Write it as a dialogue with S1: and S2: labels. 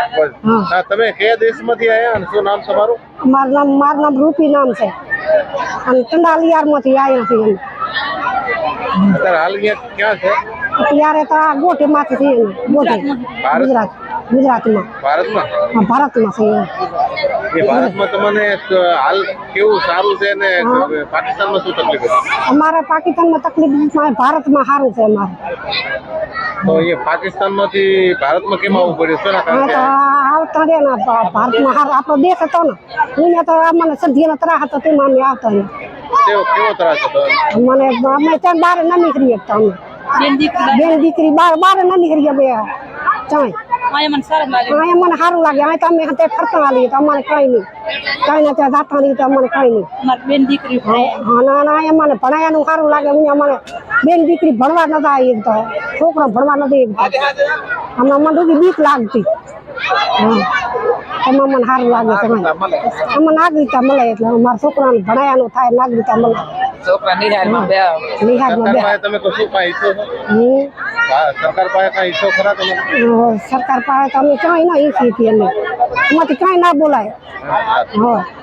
S1: હા તમે કયા દેશમાંથી આવ્યા અને શું નામ તમારું?
S2: મારું નામ રૂપી નામ છે અને ચંડાલિયારમાંથી આવ્યા છીએ
S1: અત્યારે હાલ અહીંયા ક્યાં છે?
S2: અત્યારે તો આ ગોટીમાંથી છીએ ગોટી ગુજરાતમાં
S1: ભારતમાં?
S2: ભારતમાં છીએ
S1: એ ભારતમાં તમને હાલ કેવું સારું છે ને પાકિસ્તાનમાં શું તકલીફ છે?
S2: અમારે પાકિસ્તાનમાં તકલીફ ભારતમાં સારું છે અમારે
S1: તો એ પાકિસ્તાનમાંથી ભારતમાં કેમ આવવું પડ્યું? શેના કારણે
S2: આવતા રે ને ભારતમાં સારો આપણો દેશ હતો ને અહીંયા તો મને સધ્યનો ત્રાસ હતો તેમાં અમે આવતા
S1: કેવો ત્રાસ હતો?
S2: મને અમે ત્યાં બહાર ન નીકળી શકતા અમે બેન દીકરી બહાર ન નીકળી બે ચાય મને સારું લાગે અહીં તો અમે ફરતા આવીએ તો અમારે કઈ નહીં કઈ નથી જાતા નહીં તો અમને કઈ નહીં બેન દીકરી હા ના મને ભણાયાનું સારું લાગે મને બેન દીકરી ભણવા નતા આવી તો છોકરો ભણવા નથી અમને મને બીક લાગતી એમાં મને સારું લાગે અમને નાગરિકતા મળે એટલે મારા છોકરાને ભણાયાનું થાય નાગરિકતા મળે
S1: સરકાર પાસે કઈ ઈચ્છો ખરા તમે?
S2: સરકાર પાસે અમે ક્યાંય ના ઈચ્છીએ છીએ અમે એમાંથી કાંઈ ના બોલાય હા